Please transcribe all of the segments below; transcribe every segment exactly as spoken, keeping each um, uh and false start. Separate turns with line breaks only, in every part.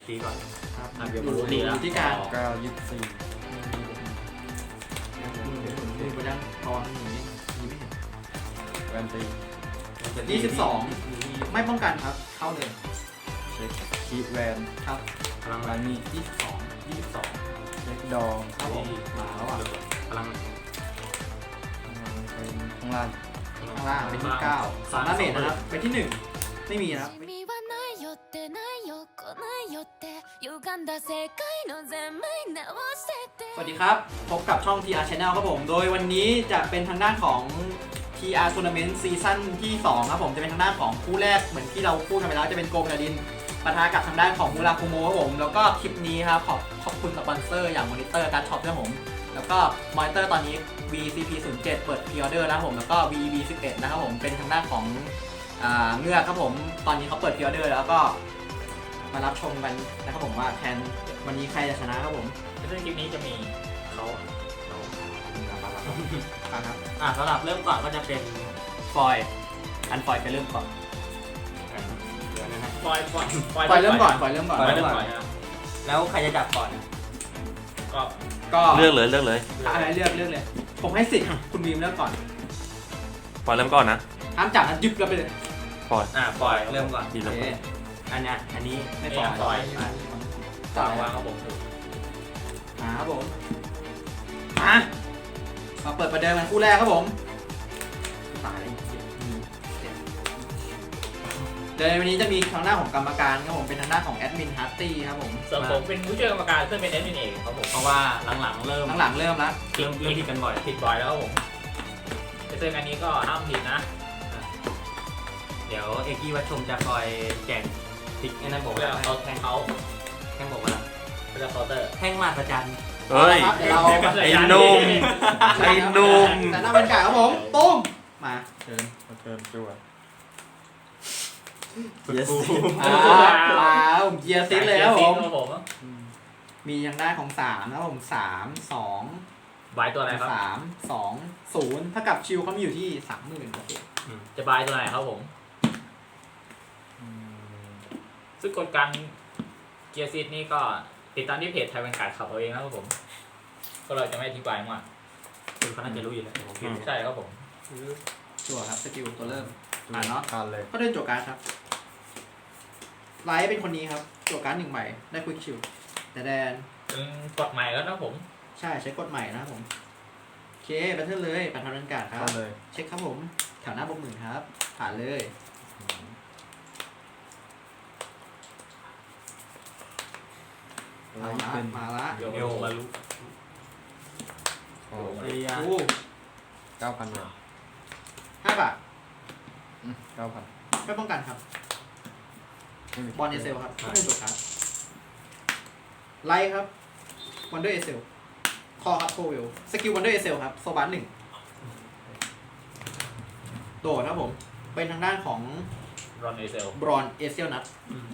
ตีก่อน
ครับ
อ่ะเดี๋ยว
อ
ผม
ยู่
ตี
อ
แล้ว
ยู่ที่กลาง
เก้ายี่สิบสี่
มือไปยังตอนนี้มีไม่เห็น
แวนตี
ยี่สิบสองไม่ป้องกันครับ เข้าเลย
เช็คคีแวน
ครับ
พลัง
ลานี่
ยี่สิบสอง
ยี่สิบสอง
เช็คดอง
ครับผมมาแล้วอ่ะ
พลัง
เป็นข้างล่าง
ข้างล่างเป็นที่เก้าสองดาเมจนะครับเป็นที่หนึ่งไม่มีนะครับ
君はないよってないよ来ないよって歪んだ世界の全面直してて
สวัสดีครับ พบกับช่อง ที อาร์ Channel ครับผม โดยวันนี้จะเป็นทางด้านของ ที อาร์ Tournament ซีซั่นที่สองครับผม จะเป็นทางด้านของคู่แรกเหมือนที่เราพูดกันไปแล้วจะเป็นโกมกาดินปะทะกับทางด้านของมูราคุโมครับผม แล้วก็คลิปนี้ครับขอบขอบคุณสปอนเซอร์อย่างมอนิเตอร์การ์ดช็อปด้วยผม แล้วก็มอนิเตอร์ตอนนี้ วี ซี พี ศูนย์ เจ็ด เปิดพรีออเดอร์แล้วผม แล้วก็ วี อี บี สิบเอ็ด นะครับผม เป็นทางด้านของอ่าเงือกครับผม ตอนนี้เขาเปิดพรีออเดอร์แล้วก็มารับชมกันนะครับผมว่าแทนวันนี้ใครจะชนะครับผม
ซึ่งคลิปนี้จะมีเขาเรา
ครับ
อ่ะสำหรับเริ่มก่อนก็จะเป็น
ฟอยล์อันฟอยล์ไปเริ่มก่อน
เดี๋ยวนะฮะ
ปล่อยปล่อย
ฟอยล์เริ่มก่อนฟอยล์เริ่มก่อน
ปล่อยเริ่มก่อนนะ
แล้วใครจะจับก่อน
ก็
ก็
เลือกเลยเลือกเลย
อะไรเลือกเลือกเลย ผมให้สิทธิ์คุณวีมเลือกก่อน
ปล่อยเริ่มก่อนนะ
ห้ามจับนะยึบแล้วไปเลย
ปล่อย
อ่ะปล่อยเริ่มก่อน
ดี
โอ
แล้ว
เค
อันเนี้ยอันนี้
ไม่ฟอยล์
ปล่อย
ต่อ
วาว
าง ง
ครับผมถูก
มาครับผมมามาเปิดประเดิมกันคู่แรกครับผมตายเลยเดี๋ยววันนี้จะมีทางหน้าของกรรมการครับผมเป็นทางหน้าของแอดมินฮาร์ตี้ครับผม
ส่วนผมเป็นผู้ช่วยกรรมการซึ่งเป็นเอดมินเองครับผม
เพราะว่าหลังๆเริ่ม
หลังๆเริ่มแล้ว
เริ่มเริ่มผิดกันบ่อย
ผิดบ่อยแล้วครับผมซึ่งอันนี้ก็ห้ามผิดนะ
เดี๋ยวเอกกี้วัชชมจะคอยแจกพลิกไอ้นั่นบอก
เพื่อ
ว่า
เขาแทงเขา
แท่งบอกว่า
เพื่อเคาน์เตอร์
แท่งมาประจัน
เฮ้ย
ครับเดี๋ยวเรา
ไอ้หนุ่ม ไอ้หนุ่ม
แต่หน้าเป็นไก่ครับผมตุ้มมาเชิญ
มาเทิร์นจั่ว
yes
อ่ามาผมเกียร์ซิสเลยครับผม
ครับผม
มีทางด้านของสามนะครับผมสามสอง
บายตัวอะไรครับ
สามสองศูนย์ถ้ากับชิวเขามีอยู่ที่สามหมื่นโอเค
จะบายตัวไหนครับผม ซึ่งกฎการเกียร์ซีดนี่ก็ติดตามที่เพจไทยเป็นการขับเอาเองนะครับผม ก็เราจะไม่อธิบายมาก
คุณเขาน่าจะรู้อยู่แล้วผมคิด
ใช่ครับผม
จั่วครับสกิลตัวเริ่ม อ่านเนาะ
ทานเลย
ก็เดินจั่วการ์ดครับไลท์เป็นคนนี้ครับจั่วการ์ดหนึ่งใบได้ควิกชิวแต่แดน
เป็นกฎใหม่แล้วนะผม
ใช่ใช้กดใหม่นะครับผมโอเคแบทเทิลเลยปัทานการ์ดครั
ทา
บ
นเลย
เช็คครับผมแถวหน้าบวกหมื่นครับผ่านเลยมา
ไลท์
ละ
เป็น
มาละ
เดี๋ยว
เอว
มารู้
โอ้
เรีย
โอ้
เก้าพันเลย
ห้าบาท
เก้าพัน
ไม่ป้องกันครับ บอลเอเซลครับไม่เป็นตัวครับไลท์ครับวันเดอร์เอเซลคอครับโคเวลสกิลวันเดอร์เอเซลครับโซบัสหนึ่งโดดครับผม เป็นทางด้านของ
รอนเอเซล
บรอนเอเซลนัท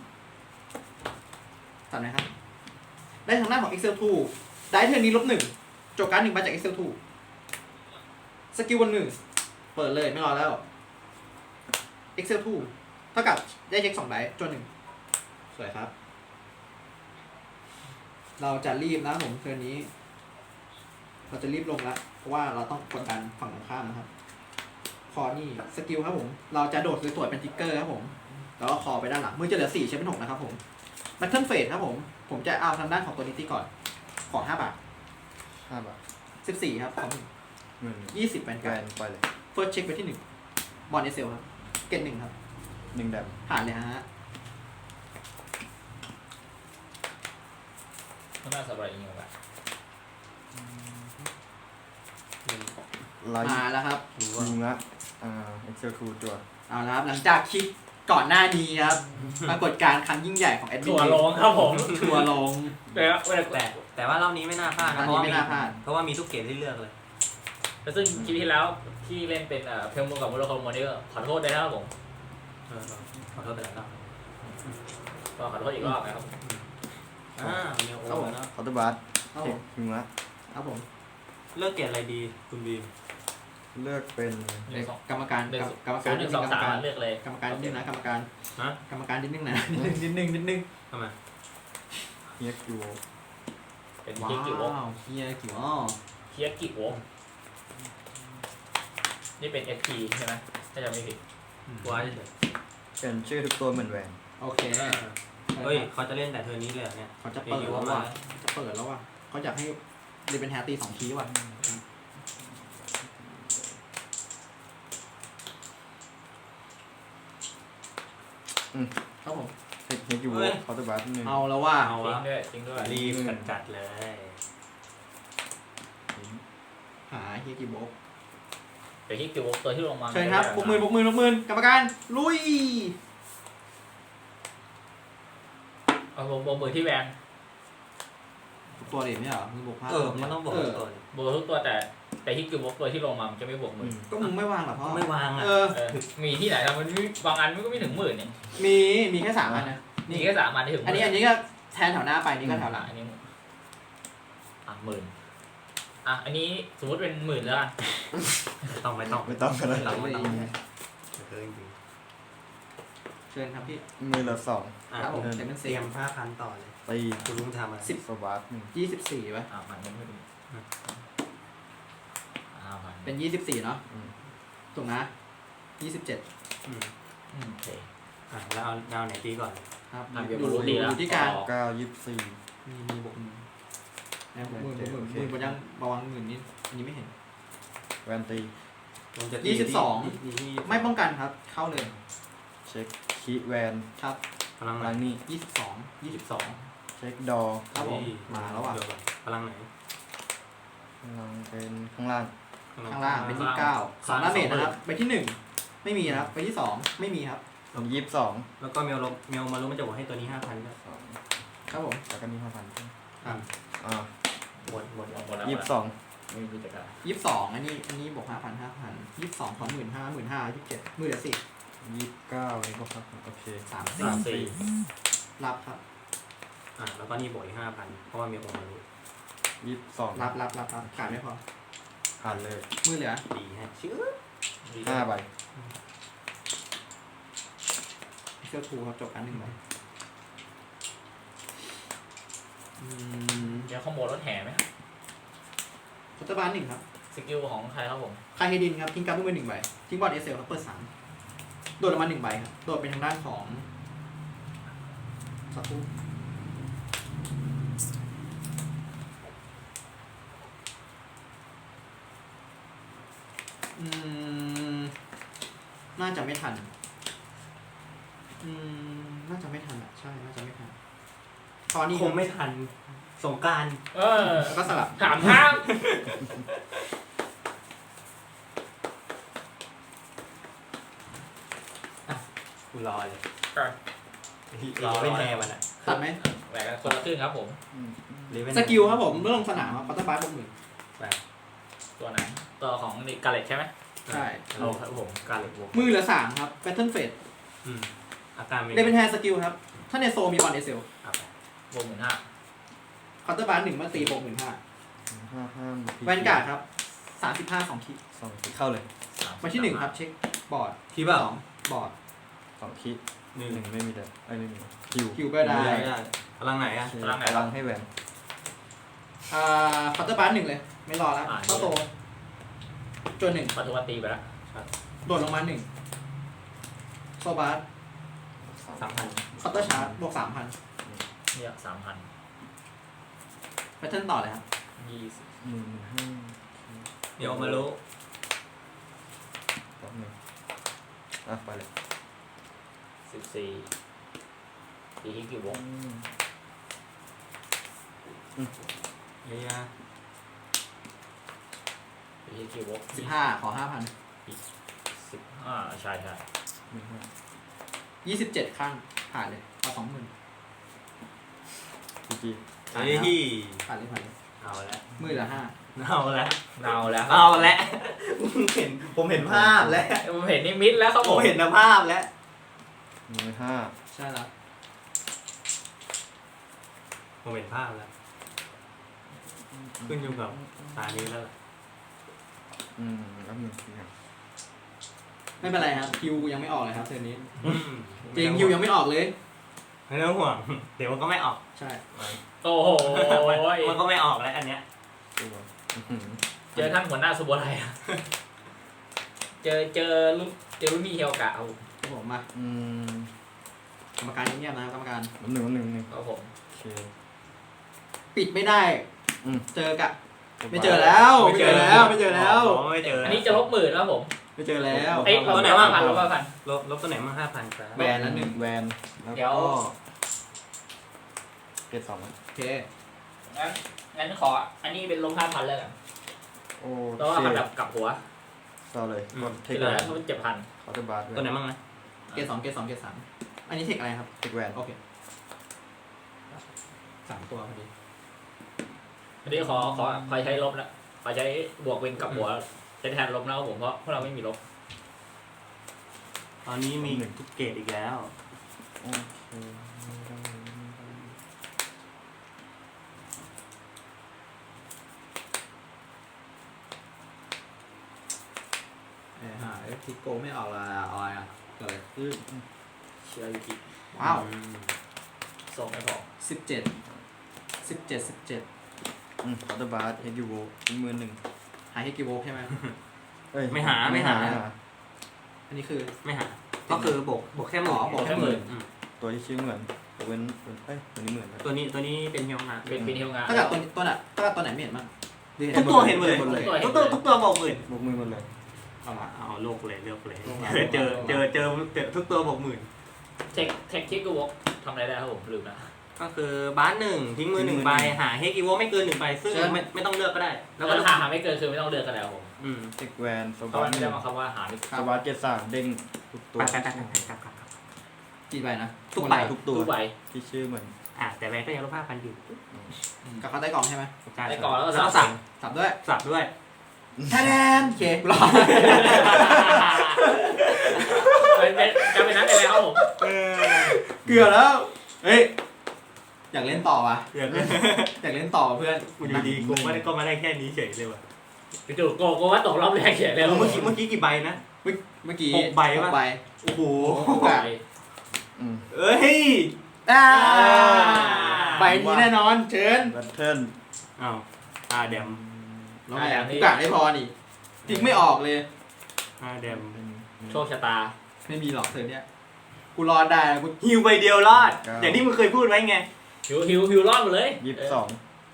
จำไหมครับ ได้ทางด้านของ Excel ทูได้เทอร์นี้ลบหนึ่งโจการ์ดหนึ่งมาจาก Excel ทูสกิลวันหนึ่งเปิดเลยไม่รอแล้ว Excel ทูเท่ากับได้เช็คสองไดจนหนึ่งสวยครับ เราจะรีบนะผมเทอร์นี้ เราจะรีบลงแล้วเพราะว่าเราต้องกดดันฝั่งตรงข้ามนะครับ คอนี่สกิลครับผม เราจะโดดสวยๆเป็นทิกเกอร์ครับผม แล้วก็คอไปด้านหลังมือจะเหลือสี่ใช้เป็นหกนะครับผมแบทเทิลเฟสครับผม ผมจะเอาทางด้านของตัวนี้ที่ก่อน ขอห้าบาท
ห้าบาท
สิบสี่ครับของ
หมื่น
ยี่สิบแบน
แว
การ์ด
นไปเลย
เฟิร์สเช็คไปที่หนึ่งบอลเอเซลครับ เกตหนึ่งครับ
หนึ่งแดม
ผ่านเลยฮะ
ข้างหน้าสบายอีกแบบ
ไลท์
มาแล้วครับ
ยิงละอ่าเอ็กเซลทูจั่ว
เอาละครับ หลังจากคลิปก่อนหน้านี้ครับ ปรากฏการณ์ครั้งยิ่งใหญ่ของแอดมิน
ถั่วลงครับผม
ทัวร์ลง
แต่ว่าเวลา
แต่แต่ว่ารอบนี้ไม่น่าพลาด
รอ
นะ
บ
เพ
นี้
ราะว่า
ไม่
มี
น่าพลาด
เพราะว่ามีทุกเกมที่เลือกเลย
แต่ซึ่งคลิปที่แล้วที่เล่นเป็นเอ่อเพลมูกับมูโรโคโมนี่ก็ขอโทษด้วยนะครับผม
เออขอโทษไปแล้วรอบ
ก็ขอโทษอีกรอบนะครับ
อ่าเมลโอแล้วเนาะ
คอร์ตบาร์
ครับ
เช็
ผ
ค
ม
ยิงละ
ครับผม
เลือกเกรดอะไรดีคุณบีม
เลือกเป็น
หนึ่งสอง
กรรมการ
หนึ่ง
กรรม
ศู
การ
นย์หนึ่งสอง
กรรม
สาม
การ
เลือกเลย
กรรมการนิดนึงนะกรรมการ
ฮะ
กรรมการนิดนึงนะนิดนึงนิดนึงนิดนึง
ทำไม
เฮียกิว
เป็น
ว้า
เฮียกิว
วเฮียกิวอ๋อ
เฮียกิวนี่เป็น เอส พี ใช่ไหมถ้าจำไม่ผิด
ตัวเฉย
เปลี่ยนชื่อทุกตัวเหมือนแหวน
โอเค
เฮ้ยเขาจะเล่นแต่เทอร์นี้เลยเหรอเนี่ย
เขาจะเปิดแล้วว่ะจะเปิดแล้วว่ะเขาอยากให้เดนเป็นแฮร์ตีสองทีว่ะ
อืม
ครับผม
เฮียกิวเคาน์เตอร์บาร์หนึ่ง
เอาแล้วว่า
เอา
จริ
วะ
งด้วยจริงด้วย
รีบกันจัดเลย
หาเฮียกิโบก
แต่เฮียกิวตัวที่ลงมา
เชิญครับบุกมือบุกมือบุกมือกรรมการลุย
เอาบวกบวกมือที่แวน
ตัวเด็กไม่เหรอมือบวกห้า
เออมันต้องบอก
เออ
ก่อน
บวกทุกตัวแต่แต่เฮียกิวตัวที่ลงมามันจะไม่บวกมือ
ก็มึงไม่วางหรอพ่อ
ไม่วางอ่ะ
เออ
เออมีที่ไหนทำมันไม่บางอันมันก็ไม่ถึงหมื่นเนี่ย
มีมีแค่สามอันนะ
นี่แค่สามอันที่ถึงห
อัน
มื่
นี้อันนี้ก็แทนแถวหน้าไปนี่ก็แถวหลัง
อันนี้อ่ะหมื่นอ่ะอันนี้สมมติเป็นหมื่นแล้วกัน
ไม่ต้องไม่ต้อง
ไม่ต้องกันแล้ว
หลังไม่ต้องเออจริง
เชิญครับพี่
มือละสอง
ๆอ่ะ
ครับผม
เต
เต็มเป็น
รี
สี่
ยมผ้าพันต่อเลย
ตี
คุณลุงทำอะไร
สิบ
โซบาร์หนึ่ง
ยี่สิบสี่ป่ะ
อ่ะมันไม่ถึงอ่าพัน
เป็นยี่สิบสี่เนาะ
อืม
ถูกนะยี่สิบเจ็ด
อืม
อืมโอเค
อ่ะแล้วเอาดาวไหนตีก่อน
ครับ
อ่ะ
อ
เดี๋ยว
ยู่
มารู้ดี
อ
แล้ว
ยู่ที่การ
เก้ายี่สิบสี่
มีมีบวกมือนะบวกมือบวกมือ
โอเค
มือบนยังระวังหมื่นนี่อันนี้ไม่เห็น
แวนตี
ผมจะตี
ยี่สิบสอง
ที่ที่
ไม่ป้องกันครับ เข้าเลย
เช็คคีแวน
ครับ
พลังไหน
ลังนี่
ยี่สิบสองยี่สิบสอง
เช็คดอ
ครับผม
เฮ้ย
มาแล้วอ่ะ
เดี๋ยก่อนพลังไหน
ลังเป็นข้างล่าง
ข้างล่างเป็นยี่สิบเก้าสองดาเมจนะครับไปที่หนึ่งไม่มีนะครับไปที่สองไม่มีครับ
ยี่สิบสอง
แล้วก็เมลลเมลมารู้มันจะบอกให้ตัวนี้ห้าพันด้วย
สอง
ครับผม
แล้วก็มีห้าพัน
ครับ
อ่า
หมดหมด
หมดแล้ว
ยี่สิบสอง
ไม่มีกิจการ
ยี่สิบสองอันนี้อันนี้บวกห้าพันห้าพันยี่สิบสองของหมื่นห้าหมื่นห้ายี่สิบเจ็ดหมื่นละสิบ
ยี่สิบเก้านี่ก็ครับโอเค
สาม
สามสี่
รับครับ
อ่ะแล้วก็นี่บวกอีกห้าพันเพราะว่าเมลออกมารู้
ยี่สิบสอง
รับรับรับรับขาดไม่พอ
ผ่านเลย
มือเหลือ
ดีฮะชื่อ
ห้าใบ
เสื้อทูครับจบการหนึ่งใบอืม
เดี๋ยวขโมยรถแห่ไหม
คัตเตอร์บาร์หนึ่งครับ
สกิลของใครครับผม
คาเฮดินครับทิ้งการ์ดมือหนึ่งใบทิ้งบอร์ดเอสเซลครับเปิดสามโดดออกมาหนึ่งใบครับโดดเป็นทางด้านของสักครู่อืมน่าจะไม่ทันอืมน่าจะไม่ทันอ่ะใช่น่าจะไม่ทันพอนี่
คงไม่ทันสงกราร
เออ
แล้วก็สลับ
ถามทาง
กูรอเลย
ก็
รอไม่แน่มันอ่ะ
ตัดไหม
แหวนกันคนละครึ่งครับผม
อืม
หรือไม่
สกิลครับผมเมื่อลงสนามครับคัตเตอร์บาร์บวกหมื่น
ตัวไหนตัวของกาเลตใช่ไหม
ใช่
เอาครับผมการเล็กบวก
มือเหลือสามครับแพทเทิร์นเฟส
อืมอาการไม่
เดเป็นแฮร์สกิลครับ ถ้าในโซมีบอลเอเซล
เอาไป
บวกหมื่นห้า
คัตเตอร์บาร์หนึ่งมาตีบวกหมื่นห้า
ห้าห้า
แวนการ์ดครับสามสิบห้าสองคิ
สองเข้าเลย
มาที่หนึ่งครับเช็คบอร์ด
ที่เปล่า
สองบอร์ด
สองคิด
หนึ่ง
หนึ่งไม่มีแต่ไอ้ยไม่มีคิว
คิวก็ได้
ไม่ได้พลังไหนอ่ะ
โอเคพลังให้แหวน
อ่าคัตเตอร์บาร์หนึ่งเลย ไม่รอแล้วเข้าโตจนหนึ่ง
ปัจจุบันตีไปแล้ว
โดดลงมาหนึ่งโซบาร์
สามพัน
คัตเตอร์ชาร์จบวกสามพัน
เนี่ยสามพัน
แพทเทิร์นต่อเลยครับ
ยี่สิบ
หนึ่งห้า
เดี๋ยวมารู้
แป๊บหนึงอ่ะไปเลย
สิบสี่ตีที่กี่วง
อืม
เฮีย
ตีที่กี่วง
สิบห้าขอห้าพัน
สิบห้าใช่ใช่
หนึ่งห้า
ยี่สิบเจ็ดข้างผ่านเลยเอาสองหมื่น
จีจี
เฮ้ย
ผ่านเลยผ่านเลย
เอาละ
มือเหลือห้า
เอาละ
เนาแล้ว
เอาละผมเห็นผมเห็นภาพแล้ว
ผมเห็นนิมิตแล้วครับ
ผ
ผม ม
เห็นภาพแล้ว
มือห้า
ใช่แล้ว
ผมเห็นภาพแล้ว ขึ้นอยู่กับตานี้แล้วล่ะ
อืมแล้วหนึ่งทีครับ
ไม่เป็นไรครับคิวยังไม่ออกเลยครับเทอร์นนี้
อืม
จริงคิวยังไม่ออกเลย
ไม่ต้องห่วง เดี๋ยวมันก็ไม่ออก
ใช่
โอ้โห
มันก็ไม่ออกแล้วอันเนี้ย
ตัวอื้อหือ
เจอท่านหัวหน้าสุโขทัยอะเจอเจอลูกเจอลูกนี่เฮียวกะเอา
ครับผมมา
อืม
กรรมการเงียบๆนะครับกรรมการ
หนึ่งหนึ่งหนึ่ง
ครับผม
โอเค
ปิดไม่ได้
อืม
เจอกะ ไม่เจอแล้วไม่เจอแล้วไม่เจอแล้ว
อ๋อไม่เจอ
อั
อั
นนี้จะลบหมื่นแล้วผม
ไม่เจอแล้ว
เอ้ยลบไหนบ้างพันลบบ้างพัน
ลบลบตัวไหนมั่งห้าพันครับ
แบนละหนึ่ง
แวนแล้ว
เดี๋ยว
ก็เกตสอง
โอเค
งั้นงั้นขออันนี้เป็นลบห้าพันแล้วกัน
โอ้
เพราะว่ามันแบบกลับหัว
เศร้าเลยกดเท
ที่
ค
เหลื
แว
อน มันเจ็ดพัน
คอร์เตอร์บาร์
ตัวไหนมั่งนะ
เกรดสองเกรดสองเกรดสามอันนี้เทคอะไรครับ
เทคแวน
โอเคสามตัวพอดี
อันนี้ขอขอขอใช้ลบนะขอใช้บวกเป็นกับหัวใช้แทนลบนะครับผมเพราะพวกเราไม่มีลบ
ตอนนี้มีทุกเกรดอีกแล้ว
โอเค
เออหาทิกโกไม่ออกละออยอ่ะเกิดอะไรขึ้น
เชียร์ยูกิ
ว้าว
ส่งไม่พอ
สิบเจ็ดสิบเจ็ดสิบเจ็ด
อืมคอร์เตอร์บาร์เฮกิโวทิ้งมือหนึ่ง
หาให้กี่โวลต์ใช่ไหม
เอ้ย
ไม่หาไม่หา
อันนี้คือ
ไม่หา ก็คือบวกบวกแค่หมื่น
อ๋อบวกแค่หมื่น
อืม
ตัวที่ชื่อเหมือนตัวเว้นเอ้ยตัวนี้เหมือนกัน
ตัวนี้ตัวนี้เป็นเฮียวงา
เป็นเป็นเฮียวงา
ถ้ากับตัวนี้ตัวน่ะถ้ากับตัวไหนไม่เห็นมั้ง
ทุกตัวเห็นหมดเลย
หมดเลย
ทุกตัวทุกตัวบอกหมื่น
บวกมือหมดเลย
เอาละ
เอาโลกเลยเลือกเลย
โลกเลย
เจอเจอเจอเจอทุกตัวบอกหมื่น
เทคเทคคิกกูวกทำอะไรได้ครับผมลืมนะ
ก็คือบ้านหนึ่งทิ้งมือหนึ่งใบหาเฮกิโวไม่เกินหนึ่งใบซึ่งไม่ไม่ต้องเลือกก็ได้
แล้
แล้ว ว
ก็
ก็
ถ้าหาไม่เกินคือไม่ต้องเลือกกันแล้วผม
อืม
เทคแวนส
เพ
วั
ราะ
ส
มันไม่
ดิ์
ได้มาคำว่าหาไม่
สวัสดิ์เกตสามเด้งทุกตัว
ไปไปไปไปไปไป
กี่ใบนะ
ทุกใบ
ทุกตัว
ทุกใบ
ที่ชื่อเหมือน
อ่ะแต่แบงก็ยังลบห้าพันอยู่
กับเขาใต้กล่องใช่ไหม
ได้ก่อนแล้วก็
แล้วก็
สั่
สั่
ง
ง
สับด้วย
สับด้วย
แทนโอเคกูรอ
เป็นเป็นจะเป็นนั้นไปแล้วครับผม
เกือบแล้วเฮ้ยอยากเล่นต่อว่ะ
เดี๋ยว
อยากเล่นต่อว่ะเพื่อน
อยู่ดีๆกูไม่ได้ก็มาได้แค่นี้เฉยเลยว่ะ
ไปดูโกโกว่าตกรอบแรกเขียนเลย
เมื่อกี้เมื่อกี้กี่ใบนะ
เมื่อกี้
หกใบปะ
หกใบ
โอ้โห
หกใบ
อืม
เอ้ย
อ่าใบนี้แน่นอนเชิญ
แบทเทิล
อ้าวอาแดม
น้องแหลมกูกะได้พอนี่ทิ้งไม่ออกเลย
อาแดม
โชคชะตา
ไม่มีหรอกเธอเนี่ยกูรอดได้กู
ฮิวใบเดียวรอด อย่างที่มึงเคยพูดไว้ไง
หิวหิวหิวรอดหมดเลย
ยี่สิบสอง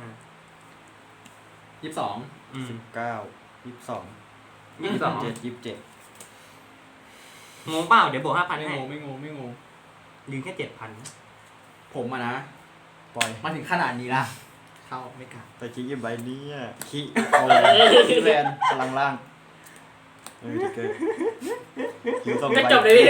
ยี่สิบสอง
อืม
เก้ายี่สิบสอง
ยี่สิบสอง
เจ็ดยี่สิบเจ็ด
งงเปล่าเดี๋ยวบวกห้าพัน
ไม่
ให้
งงไม่งงไม่งง
ยืนแค่เจ็ดพัน
ผมอะนะ
ปล่อย
มาถึงขนาดนี้ละเข้าไม่กลับ
แต่คิกใบนี้อ่ะคิโอ้คิแวนพลังล่างเออจะเกิดคิวสอง
จะ
ใบ
จบเลยนี่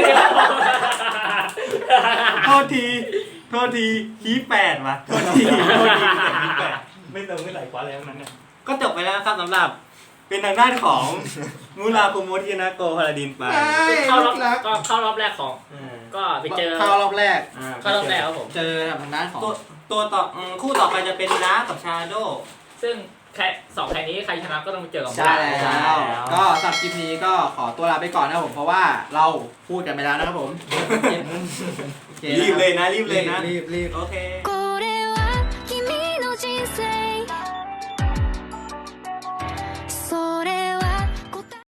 โทษทีโทษทีคีแปดว่ะโทษทีโทษทีคีแปดไม่เติมไม่ไหลกว่าแล้วนั้นเนี่ยก็จบไปแล้วครับสำหรับ เป็นทางด้านของมูราโคโมทินาโกพาราดินไป
เข้ารอบก็เข้ารอบแรกของ ก็ไปเจอ
เข้ารอบแรก
เข้ารอบแรกครับผม
เจอทางด้านของ
ตัวตัวต่ออืมคู่ต่อไปจะเป็นดาร์กกับชาโด
ซึ่งแค่สองแข่งนี้ใครชนะก็ต้องไปเจอกับ
ใช่แล้
ใช่
ว
แล้ว
ก็สำหรับคลิปนี้ก็ขอตัวลาไปก่อนนะครับผมเพราะว่าเราพูดกันไปแล้วนะครับผมโอค
รีบเลยนะรีบเลยนะ
รีบรีบ
โอเค
これは君の人生